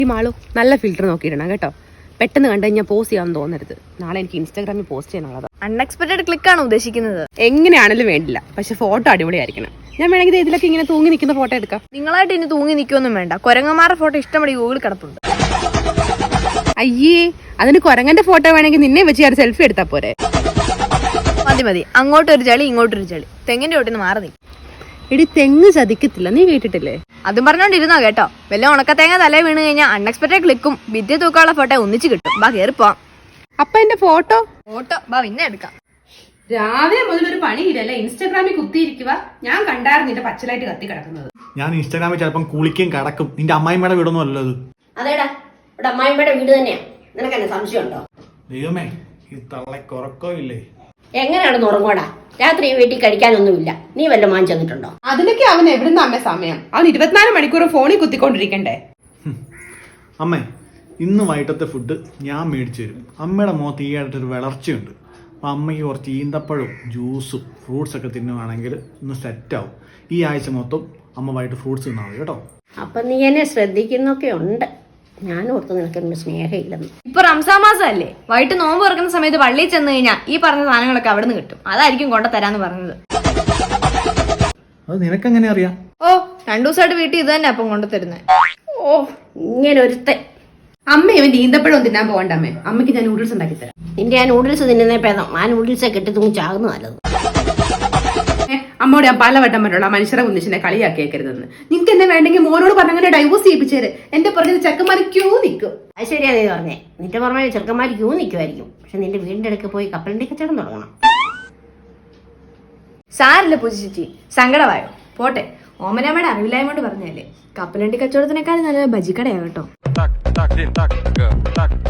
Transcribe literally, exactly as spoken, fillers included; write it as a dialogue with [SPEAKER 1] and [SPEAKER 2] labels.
[SPEAKER 1] ഈ മാളു നല്ല ഫിൽറ്റർ നോക്കിയിടണം കേട്ടോ. പെട്ടെന്ന് കണ്ടു കഴിഞ്ഞാൽ പോസ്റ്റ് ചെയ്യാൻ തോന്നരുത്. നാളെ എനിക്ക് ഇൻസ്റ്റാഗ്രാമിൽ പോസ്റ്റ് ചെയ്യാനുള്ളത്.
[SPEAKER 2] അൺഎക്സ്പെക്ടഡ് ക്ലിക്ക് ആണോ ഉദ്ദേശിക്കുന്നത്?
[SPEAKER 1] എങ്ങനെയാണെങ്കിലും വേണ്ടില്ല, പക്ഷെ ഫോട്ടോ അടിപൊളിയായിരിക്കണം. ഞാൻ വേണമെങ്കിൽ ഇതിലൊക്കെ ഇങ്ങനെ തൂങ്ങി നിൽക്കുന്ന ഫോട്ടോ എടുക്കാം.
[SPEAKER 2] നിങ്ങളായിട്ട് ഇനി തൂങ്ങി നിൽക്കൊന്നും വേണ്ട. കുരങ്ങന്മാരുടെ ഫോട്ടോ ഇഷ്ടംപടി ഗൂഗിളിൽ കിടപ്പുണ്ട്.
[SPEAKER 1] അയ്യേ, അതിന് കുരങ്ങന്റെ ഫോട്ടോ വേണമെങ്കിൽ നിന്നെ വെച്ച് ഞാൻ സെൽഫി എടുത്താൽ പോരെ?
[SPEAKER 2] മതി മതി, അങ്ങോട്ടൊരു ചളി ഇങ്ങോട്ടൊരു ചളി. തെങ്ങിന്റെ ചോട്ടിന്ന് മാറി നീ.
[SPEAKER 1] എടി, തെങ്ങ് ചതിക്കത്തില്ല, നീ കേട്ടിട്ടില്ലേ?
[SPEAKER 2] അതും പറഞ്ഞോണ്ടിരുന്നോ കേട്ടോ. വല്ല ഉണക്കത്തേങ്ങ തലേ വീണ് കഴിഞ്ഞാൽ അൺഎക്സ്പെക്ടഡ് ക്ലിക്കും ഭിത്തി തൂക്കാനുള്ള ഫോട്ടോ ഒന്നിച്ച് കിട്ടും. ബാ കയറിപ്പോവാം.
[SPEAKER 1] അപ്പൊ എന്റെ ഫോട്ടോ
[SPEAKER 2] ഫോട്ടോ ബാ പിന്നെ എടുക്കാം.
[SPEAKER 1] രാവിലെ മുതൽ ഒരു പണിയില്ലല്ലേ, ഇൻസ്റ്റാഗ്രാമിൽ കുത്തിയിരിക്കുക. ഞാൻ കണ്ടായിരുന്നു നിന്റെ പച്ചലായിട്ട് കത്തി കിടക്കുന്നത്.
[SPEAKER 3] ഞാൻ ഇൻസ്റ്റാഗ്രാമിൽ ചിലപ്പം കുളിക്കും കിടക്കും. നിന്റെ അമ്മായിമ്മയുടെ വീടൊന്നും അല്ലല്ലോ ഇത്.
[SPEAKER 4] അതേടാ, ഇവിടെ അമ്മായിമ്മയുടെ വീട് തന്നെയാ. നിനക്ക് എന്നെ സംശയമുണ്ടോ?
[SPEAKER 3] ദൈവമേ, ഈ തള്ളക്ക് ഉറക്കോ ഇല്ലേ?
[SPEAKER 4] എങ്ങനെയാണെന്ന് ഉറങ്ങോടാ? രാത്രി വീട്ടിൽ കഴിക്കാനൊന്നുമില്ല. നീ വല്ല മാൻ ചെന്നിട്ടുണ്ടോ?
[SPEAKER 1] അതിനൊക്കെ അവൻ എവിടുന്ന അമ്മ സമയം? അവൻ ഇരുപത്തിനാല് മണിക്കൂർ ഫോണിൽ കുത്തിക്കൊണ്ടിരിക്കണ്ടേ?
[SPEAKER 3] അമ്മേ, ഇന്ന് വൈകിട്ടത്തെ ഫുഡ് ഞാൻ മേടിച്ചു തരും. അമ്മയുടെ മുഖത്ത് ഈ ആയിട്ടൊരു വളർച്ചയുണ്ട്. അപ്പം അമ്മയ്ക്ക് കുറച്ച് ഈന്തപ്പഴവും ജ്യൂസും ഫ്രൂട്ട്സ് ഒക്കെ തിന്നുവാണെങ്കിൽ ഒന്ന് സെറ്റാവും. ഈ ആഴ്ച മൊത്തം അമ്മ വൈകിട്ട് ഫ്രൂട്ട്സ് തിന്നാൽ മതി കേട്ടോ.
[SPEAKER 4] അപ്പം നീ എന്നെ ശ്രദ്ധിക്കുന്നൊക്കെ ഉണ്ട്. ഞാൻ ഓർത്ത് നിനക്കൊന്നും സ്നേഹമില്ലെന്ന്.
[SPEAKER 2] ഇപ്പൊ റംസാൻ മാസം അല്ലേ, വൈകിട്ട് നോമ്പ് തുറക്കുന്ന സമയത്ത് പള്ളിയിൽ ചെന്ന് കഴിഞ്ഞാൽ ഈ പറഞ്ഞ സാധനങ്ങളൊക്കെ അവിടെ നിന്ന് കിട്ടും. അതായിരിക്കും കൊണ്ട തരാന്ന് പറഞ്ഞത്.
[SPEAKER 3] അത് നിനക്കെങ്ങനെ അറിയാം?
[SPEAKER 2] ഓ, രണ്ടു ദിവസമായിട്ട് വീട്ടിൽ ഇത് തന്നെ അപ്പം കൊണ്ടു തരുന്നത്.
[SPEAKER 4] ഓ, ഇങ്ങനെ ഒരുത്തെ.
[SPEAKER 1] അമ്മ ഇവൻ ഈന്തപ്പഴം തിന്നാൻ പോകണ്ട അമ്മേ. അമ്മയ്ക്ക് ഞാൻ നൂഡിൽസ് ഉണ്ടാക്കി തരാം.
[SPEAKER 4] നിന്റെ ആ നൂഡിൽസ് തിന്നുന്നേ ഭേദം ആ നൂഡിൽസെ കെട്ടി തൂങ്ങി ചാകുന്നു നല്ലത്.
[SPEAKER 1] അമ്മോട് ഞാൻ പലവട്ടം പറഞ്ഞോളൂ, ആ മനുഷ്യരെ കുന്നിച്ചിനെ കളിയാക്കിയേക്കരുതെന്ന്. നിങ്ങൾക്ക് എന്നെ വേണ്ടെങ്കിൽ മോനോട് പറഞ്ഞങ്ങനെ ഡൈവോഴ്സ് ചെയ്യിപ്പിച്ചേര്. എന്റെ പുറകിൽ ചെക്കന്മാർ ക്യൂ നിൽക്കും.
[SPEAKER 4] അത് ശരിയാ നീ പറഞ്ഞേ. നിന്റെ പുറമെ ചെറുക്കന്മാർ ക്യൂ നിൽക്കുമായിരിക്കും. പക്ഷെ നിന്റെ വീടിന്റെ അടുക്ക് പോയി കപ്പലണ്ടി കച്ചവടം തുടങ്ങണം.
[SPEAKER 2] സാരല്ല പൂജിച്ചി, സങ്കടമായോ? പോട്ടെ, ഓമനമ്മയുടെ അറിവില്ലായ്മ കൊണ്ട് പറഞ്ഞല്ലേ. കപ്പലണ്ടി കച്ചവടത്തിനേക്കാൾ നല്ല ബജിക്കടയാ കേട്ടോ.